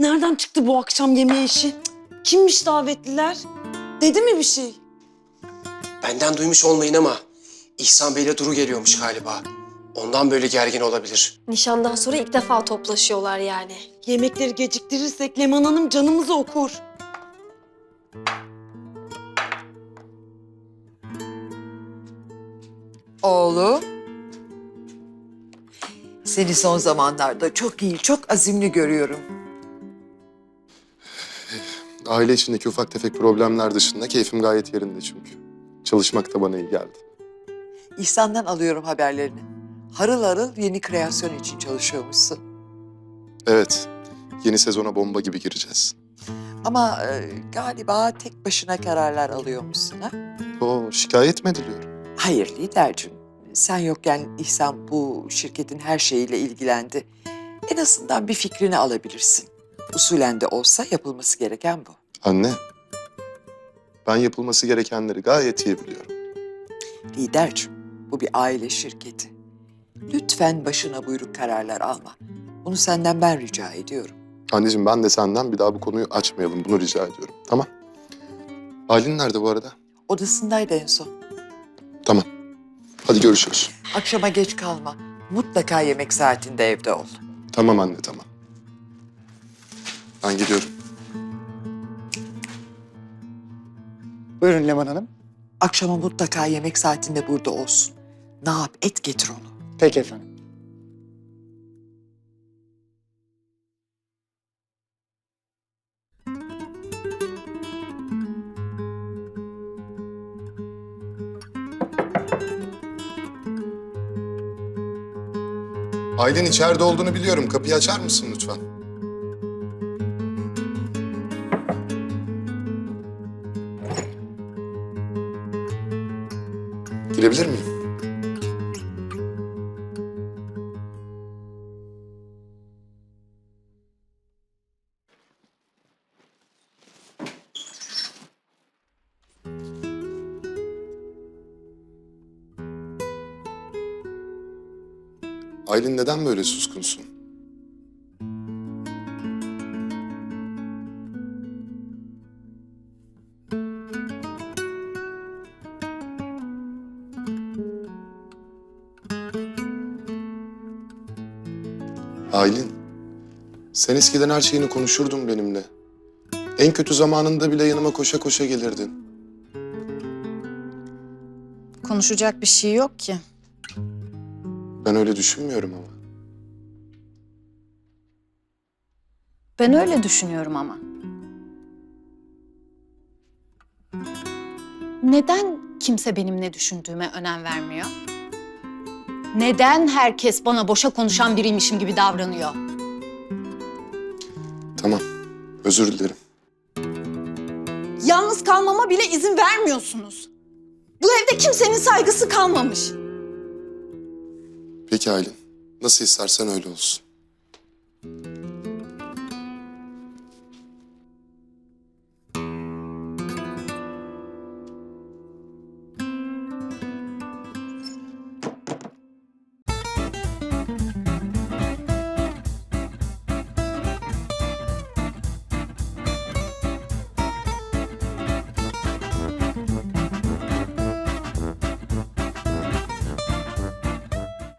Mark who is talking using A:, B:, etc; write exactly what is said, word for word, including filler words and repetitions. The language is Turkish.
A: Nereden çıktı bu akşam yemeği işi? Cık, kimmiş davetliler? Dedi mi bir şey?
B: Benden duymuş olmayın ama İhsan Bey'le Duru geliyormuş galiba. Ondan böyle gergin olabilir.
C: Nişandan sonra ilk defa toplaşıyorlar yani.
A: Yemekleri geciktirirsek Leman Hanım canımızı okur.
D: Oğlum. Seni son zamanlarda çok iyi, çok azimli görüyorum.
E: Aile içindeki ufak tefek problemler dışında keyfim gayet yerinde çünkü. Çalışmak da bana iyi geldi.
D: İhsan'dan alıyorum haberlerini. Harıl harıl yeni kreasyon için çalışıyormuşsun.
E: Evet, yeni sezona bomba gibi gireceğiz.
D: Ama e, galiba tek başına kararlar alıyormuşsun ha?
E: Oo, şikayet mi ediliyorum?
D: Hayır lidercim. Sen yokken İhsan bu şirketin her şeyiyle ilgilendi. En azından bir fikrini alabilirsin. Usulen de olsa yapılması gereken bu.
E: Anne, ben yapılması gerekenleri gayet iyi biliyorum.
D: Lidercim, bu bir aile şirketi. Lütfen başına buyruk kararlar alma. Bunu senden ben rica ediyorum.
E: Anneciğim ben de senden bir daha bu konuyu açmayalım. Bunu rica ediyorum. Tamam. Aylin nerede bu arada?
D: Odasındaydı en son.
E: Tamam. Hadi görüşürüz.
D: Akşama geç kalma. Mutlaka yemek saatinde evde ol.
E: Tamam anne, tamam. Ben gidiyorum.
F: Buyurun Leman Hanım.
D: Akşama mutlaka yemek saatinde burada olsun. Ne yap et getir onu.
F: Peki efendim.
E: Aylin içeride olduğunu biliyorum. Kapıyı açar mısın lütfen? Girebilir miyim? Aylin neden böyle suskunsun? Aylin, sen eskiden her şeyini konuşurdun benimle. En kötü zamanında bile yanıma koşa koşa gelirdin.
G: Konuşacak bir şey yok ki.
E: Ben öyle düşünmüyorum ama.
G: Ben öyle düşünüyorum ama. Neden kimse benim ne düşündüğüme önem vermiyor? Neden herkes bana boşa konuşan biriymişim gibi davranıyor?
E: Tamam, özür dilerim.
G: Yalnız kalmama bile izin vermiyorsunuz. Bu evde kimsenin saygısı kalmamış.
E: Peki Aylin, nasıl istersen öyle olsun.